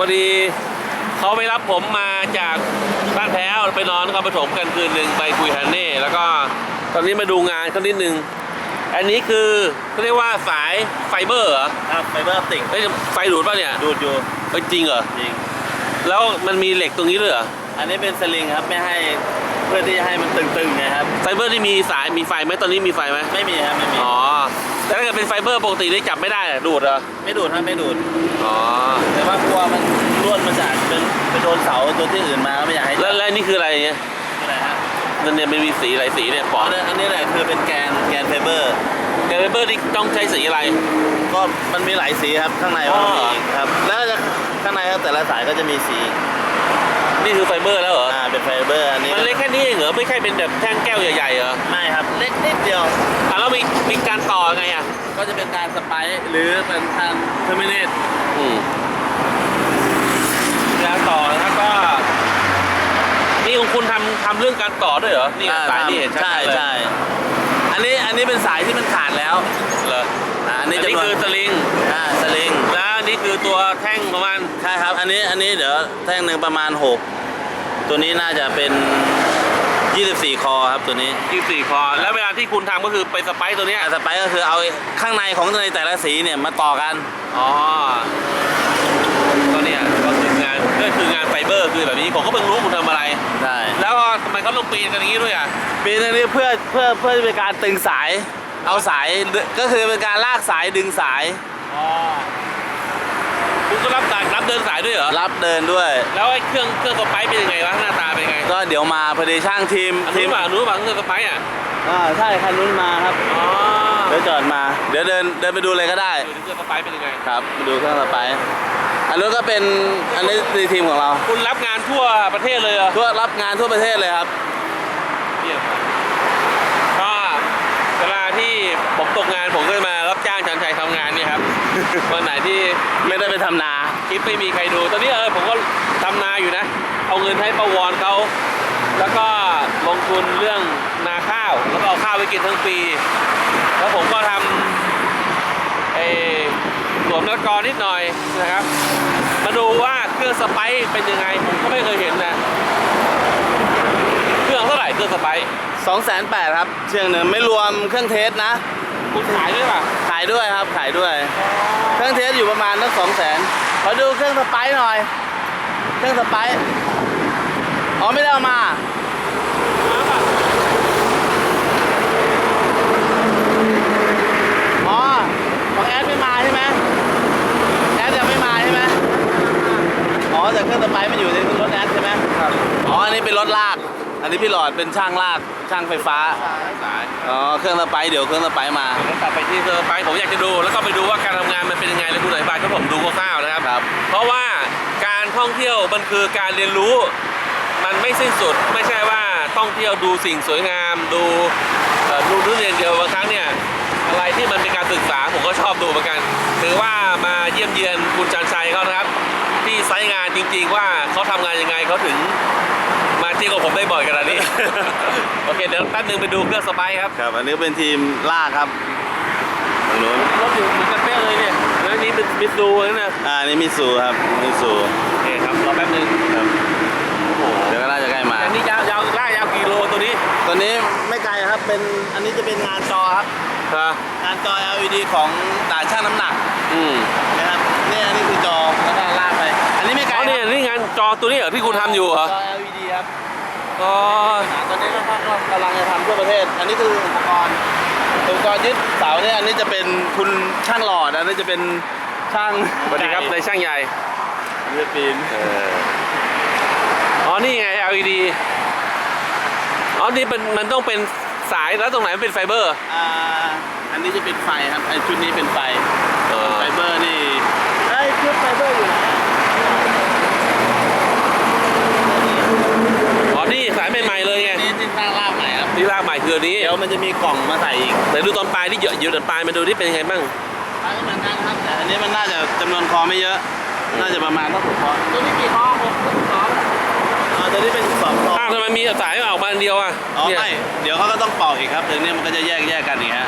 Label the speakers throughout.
Speaker 1: พอดีเขาไปรับผมมาจากบ้านแพ้วไปนอนนครปฐมกันคืนหนึ่งไปคุยฮันเน่แล้วก็ตอนนี้มาดูงานเขานิดนึงอันนี้คือเขาเรียกว่าสายไฟเบอร์เหรอ
Speaker 2: ครับไฟเบอร์ออปติก
Speaker 1: ไฟดูดป่ะเนี่ย
Speaker 2: ดูดอยู่
Speaker 1: จริงเหรอ
Speaker 2: จริง
Speaker 1: แล้วมันมีเหล็กตรงนี้ด้วยเหรอ
Speaker 2: อันนี้เป็นสลิงครับไม่ให้เพื่อที่จะให้มันตึงๆไงครับ
Speaker 1: ไฟเบอร์ที่มีสายมีไฟไหมตอนนี้มีไฟไหม
Speaker 2: ไม่มีครับไม่มี
Speaker 1: อ๋อแต่ถ้าเกิดเป็นไฟเบอร์ปกติได้จับไม่ได้ดูดเหรอ
Speaker 2: ไม่ดูดครับไม่ดูด
Speaker 1: อ๋อ
Speaker 2: แต่ว่ากลัวมันร่วนมาจากไปโดนเสาตัวที่อื่นมาไม่อยากให้
Speaker 1: แล้วนี่คืออะไรเนี่ย
Speaker 2: อะไรฮะ
Speaker 1: นั่นเนี่ยมันมีสีหลายสีเนี่ยปอด
Speaker 2: อันนี้แหละคือเป็นแกนไฟเบอร์
Speaker 1: นี่ต้องใช้สีอะไร
Speaker 2: ก็มันมีหลายสีครับข้างในก็มีครับแล้วข้างในแต่ละสายก็จะมีสี
Speaker 1: นี่คือไฟเบอร์แล้วเหรอ
Speaker 2: เป็นไฟเบอร์อันนี้
Speaker 1: มันเล็กแค่นี้เองเหรอไม่ใช่เป็นแบบแท่งแก้วใหญ่ๆเหรอ
Speaker 2: ไม่ครับเล็กนิดเดียว
Speaker 1: แล้วมีการต่อไงอ่ะ
Speaker 2: ก็จะเป็นการสไปซ์หรือเป็นการเทอร์มิเนต
Speaker 1: การต่อแล้วก็นี่ของคุณทำเรื่องการต่อด้วยเหรอนี่สายนี่เห็น
Speaker 2: ใช่ใช่อันนี้เป็นสายที่มันขาดแล้ว
Speaker 1: เหรออันนี้คือสลิง
Speaker 2: สลิง
Speaker 1: แล้วนี่คือตัวแท่งประมาณ
Speaker 2: ใช่ครับอันนี้เดี๋ยวแท่งหนึ่งประมาณ6ตัวนี้น่าจะเป็น24คอครับตัวนี้
Speaker 1: 24คอแล้วเวลาที่คุณทำก็คือไปสไปซ์ตัวนี้
Speaker 2: สไปซ์ก็คือเอาข้างในของในแต่ละสีเนี่ยมาต่อกัน
Speaker 1: ก็เนี่ยก็คืองานไฟเบอร์คือแบบนี้ผมก็เพิ่งรู้คุณทำอะไร
Speaker 2: ใช่
Speaker 1: แล้วทำไมเขาลงปีนกันอย่างนี้ด้วยอ่ะ
Speaker 2: ปีนอันนี้เพื่อเป็นการตึงสายเอาสายก็คือเป็นการลากสายดึงสาย
Speaker 1: คุณก็รับเดินสายด้วยเหรอ
Speaker 2: รับเดินด้วย
Speaker 1: แล้วไอ้เครื่องสไปซ์เป็นยังไงวะหน้าตาเป็นยังไง
Speaker 2: ก็เดี๋ยวมาพอดีช่างทีม
Speaker 1: รู้ป่ะเครื่องสไปซ์
Speaker 2: ใช่คันนู้นมาครับเดี๋ยวจอดมาเดี๋ยวเดินไปดูเลยก็ได้
Speaker 1: ดูเครื่องสไปซ์เป็นยังไง
Speaker 2: ครับไปดูเครื่องสไปซ์อันนู้นก็เป็นอันนี้ทีมของเรา
Speaker 1: คุณรับงานทั่วประเทศเลยเหรอ
Speaker 2: รับงานทั่วประเทศเลยครับ
Speaker 1: ก็เวลาที่ผมตกงานผมก็มารับจ้างชันชัยทำงานเนี่ยครับวันไหนที่
Speaker 2: ไม่ได้ไปทำนา
Speaker 1: คลิปไม่มีใครดูตอนนี้ผมก็ทำนาอยู่นะเอาเงินให้ประวรเขาแล้วก็ลงทุนเรื่องนาข้าวแล้วก็เอาข้าวไปกินทั้งปีแล้วผมก็ทำสวมนักกรนิดหน่อยนะครับมาดูว่าเครื่องสไปซ์เป็นยังไงผมก็ไม่เคยเห็นนะเครื่องเท่าไหร่เครื่องสไปซ์
Speaker 2: 280,000ครับเชียงหนึ่งไม่รวมเครื่องเทสนะ
Speaker 1: คุณขายด้วยป่ะ
Speaker 2: ขายด้วยครับขายด้วยเครื่องเทสอยู่ประมาณตั้ง200,000ขอดูเครื่องสไปซ์หน่อยเครื่องสไปซ์ไม่ได้เอามาของแอดไม่มาใช่ไหมแอดยังไม่มาใช่ไหมแต่เครื่องสไปซ์มันอยู่ในรถแอดใช่ไหมครับอันนี้เป็นรถลากอันนี้พี่หลอดเป็นช่างลากช่างไฟฟ้าเครื่องสไปซ์เดี๋ยวเครื่องสไปซ์มา
Speaker 1: ตัดไปที่เครื่องสไปซ์ผมอยากจะดูแล้วก็ไปดูว่าการทำงานมันเป็นยังไงแล้วคุณอธิบายก็ผมดูคร่าวๆนะครับเพราะว่าการท่องเที่ยวมันคือการเรียนรู้มันไม่สิ้นสุดไม่ใช่ว่าท่องเที่ยวดูสิ่งสวยงามดูเรียนเดียวบางครั้งเนี่ยอะไรที่มันเป็นการศึกษาผมก็ชอบดูเหมือนกันถือว่ามาเยี่ยมเยียนคุณชันชัยเขานะครับที่ไซต์งานจริงๆว่าเขาทำงานยังไงเขาถึงมาเที่ยวกับผมได้บ่อยขนาดนี้ โอเคเดี๋ยวแป๊บนึงไปดูเครื่องสไปซ์
Speaker 2: ครับอันนี้เป็นทีมลากครับตรงนู้น
Speaker 1: รถอยู่เหมือนกันเป๊ะเลยเนี่ยแล้วนี้เป็นมิซูนะ
Speaker 2: นี่มิซูครับมิซู
Speaker 1: โอเคครับรอแป๊บนึง
Speaker 2: ครับเดี๋ยวก็น่าจะใกล้มา
Speaker 1: อันนี้ยาวกี่โลตัวนี้
Speaker 2: ไม่ไกลครับเป็นอันนี้จะเป็นงานจอครับงานจอ LED ของด่านช่างน้ำหนักนะครับนี่อันนี้คือจอแล้วก็ลากไปอันนี้ไม่ไกล
Speaker 1: นี่งานจอตัวนี้เหรอที่คุณทำอยู่เหรอ
Speaker 2: จอ LED ครับตอนนี้ก็กำลังจะทำทั่วประเทศอันนี้คืออุปกรณ์ยึดเสาเนี่ยอันนี้จะเป็นคุณช่างหลอดอันนี้จะเป็นช่าง
Speaker 1: สวัสดีครับในช่างใหญ่
Speaker 2: เลือดปีน
Speaker 1: นี่ไง LED นี่มันต้องเป็นสายแล้วตรงไหนมันเป็นไฟเบอร์
Speaker 2: อันนี้จะเป็นไฟครับไอชุดนี้เป็นไฟไฟเบอร์นี่ชุดไฟเบอร์อยู่ไหน
Speaker 1: นี่สายใหม่ๆเลยไง
Speaker 2: นี่ที่สร้างรากใหม่ครับ
Speaker 1: ที่รากใหม่คือนี้
Speaker 2: เดี๋ยวมันจะมีกล่องมาใส่อีก
Speaker 1: แต่ดูตอนปลายที่เยอะปลายมาดูที่เป็นยังไงบ้าง
Speaker 2: ปลายก็เหมือนกันครับแต่อันนี้มันน่าจะจำนวนคอไม่เยอะน่าจะประมาณเท่า6 คอตัวนี้กี่คอ6 ตัวนี้เป็น12 คอ
Speaker 1: ทำไมมีสายออกมาอันเดียว
Speaker 2: ไม่เดี๋ยวเขาก็ต้องปอกอีกครับถึงนี้มันก็จะแยกกันอีกฮะ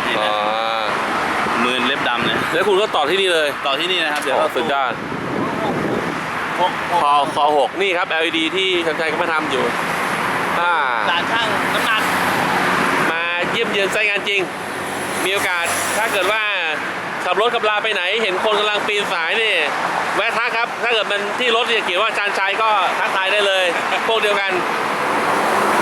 Speaker 2: มือเล็บดำเนี่ย
Speaker 1: แล้วคุณก็ต่อที่นี่เลย
Speaker 2: ต่อที่นี่นะครับเดี๋ยว
Speaker 1: สุดยอด
Speaker 2: โค
Speaker 1: คอ6นี่ครับ LED ที่ชันชัยเขามาทำอยู่
Speaker 2: ด่านช่างน้ำหนัก
Speaker 1: มาเยี่ยมเยือนไซต์งานจริง มีโอกาสถ้าเกิดว่าขับรถขับลาไปไหนเห็นคนกำลังปีนสายนี่แวะทักครับ ถ้าเกิดมันที่รถเนี่ยเขียนว่าชันชัยก็ทักทายได้เลย พวกเดียวกัน